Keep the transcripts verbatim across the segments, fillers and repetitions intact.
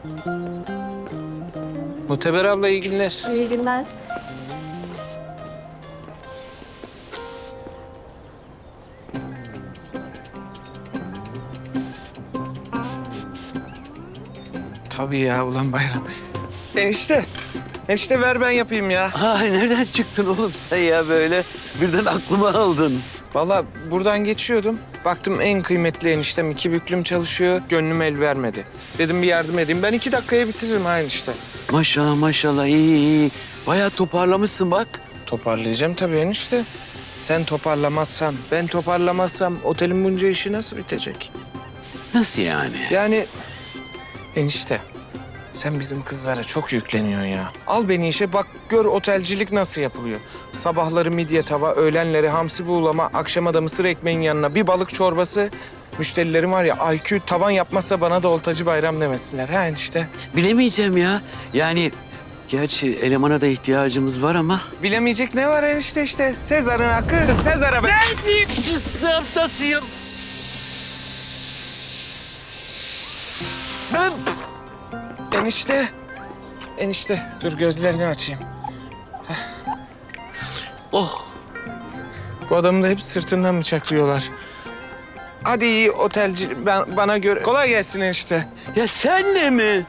Muteber abla iyi günler. İyi günler. Tabii ya ulan Bayram. Enişte. Enişte ver ben yapayım ya. Ay nereden çıktın oğlum sen ya böyle? Birden aklıma aldın. Vallahi buradan geçiyordum. Baktım en kıymetli eniştem iki büklüm çalışıyor. Gönlüm el vermedi. Dedim bir yardım edeyim. Ben iki dakikaya bitiririm ha enişte. Maşallah maşallah iyi iyi. Bayağı toparlamışsın bak. Toparlayacağım tabii enişte. Sen toparlamazsan, ben toparlamazsam otelin bunca işi nasıl bitecek? Nasıl yani? Yani enişte sen bizim kızlara çok yükleniyorsun ya. Al beni işe bak gör otelcilik nasıl yapılıyor. Sabahları midye tava, öğlenleri hamsi buğulama, akşama da mısır ekmeğin yanına bir balık çorbası. Müşterilerim var ya I Q tavan yapmazsa bana da oltacı bayram demesinler ha enişte. Bilemeyeceğim ya. Yani gerçi elemana da ihtiyacımız var ama. Bilemeyecek ne var enişte işte. Sezar'ın hakkı Sezar'a be. Haftasıyım. Sen... Enişte. Enişte dur gözlerini açayım. Oh. Bu adamı da hep sırtından bıçaklıyorlar. Hadi iyi otelci ben, bana göre. Kolay gelsin enişte. Ya senle mi?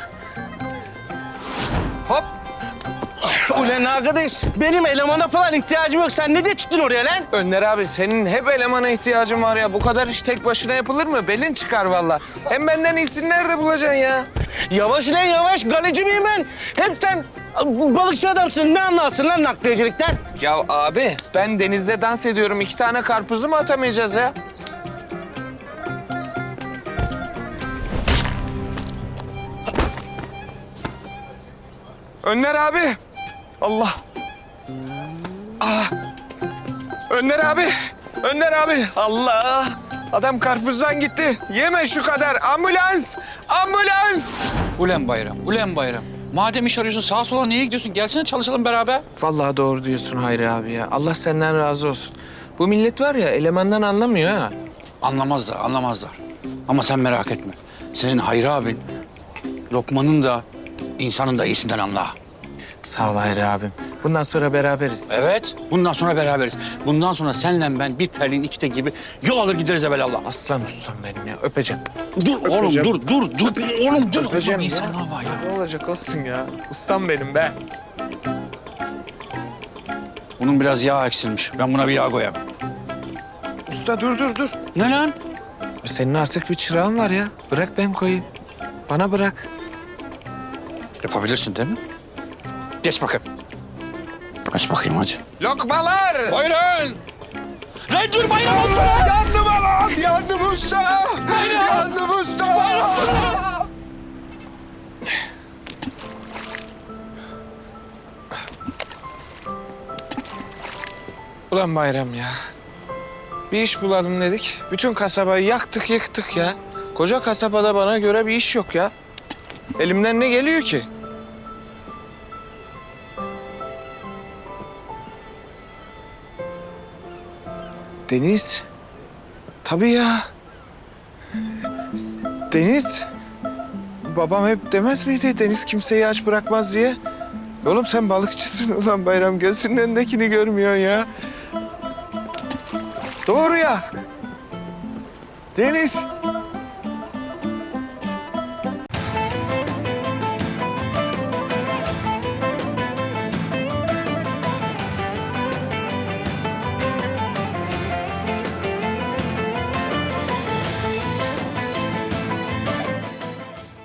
Hop. Ulan arkadaş, benim elemana falan ihtiyacım yok. Sen ne de çıktın oraya lan? Önder abi senin hep elemana ihtiyacın var ya. Bu kadar iş tek başına yapılır mı? Belin çıkar vallahi. Hem benden iyisini nerede bulacaksın ya? Yavaş lan yavaş. Galeci miyim ben? Hep sen balıkçı adamsın. Ne anlarsın lan nakliyecilikten? Ya abi ben denizde dans ediyorum. İki tane karpuzu mu atamayacağız ya? Önder abi. Allah. Ah. Önder abi. Önder abi. Allah. Adam karpuzdan gitti. Yeme şu kadar. Ambulans. Ambulans. Ulen Bayram, ulen Bayram. Madem iş arıyorsun sağa sola niye gidiyorsun? Gelsene çalışalım beraber. Vallahi doğru diyorsun Hayri abi ya. Allah senden razı olsun. Bu millet var ya elemandan anlamıyor ha. Anlamazlar, anlamazlar. Ama sen merak etme. Senin Hayri abin, Lokman'ın da, insanın da iyisinden anla. Sağ ol Hayri abim. Bundan sonra beraberiz. Evet, bundan sonra beraberiz. Bundan sonra senle ben bir terliğin iki tek gibi yol alır gideriz evelallah. Aslan ustam benim ya. Öpeceğim. Dur oğlum, Öpeceğim. dur, dur, dur. Oğlum dur. Öpeceğim Oğlum, ya. insan hava ya. Ne olacak olsun ya. Ustam benim be. Bunun biraz yağ eksilmiş. Ben buna bir yağ koyayım. Usta dur dur dur. Ne lan? Senin artık bir çırağın var ya. Bırak ben koyayım. Bana bırak. Yapabilirsin değil mi? Geç bakayım. Geç bakayım hadi. Lokmalar. Buyurun. Lan dur Bayram olsun. Yandım anam. Yandım usta. Yandım usta. Ulan Bayram ya. Bir iş bulalım dedik. Bütün kasabayı yaktık yıktık ya. Koca kasabada bana göre bir iş yok ya. Elimden ne geliyor ki? Deniz. Tabii ya. Deniz. Babam hep demez miydi Deniz kimseyi aç bırakmaz diye? Oğlum sen balıkçısın ulan Bayram. Gözünün önündekini görmüyorsun ya. Doğru ya. Deniz.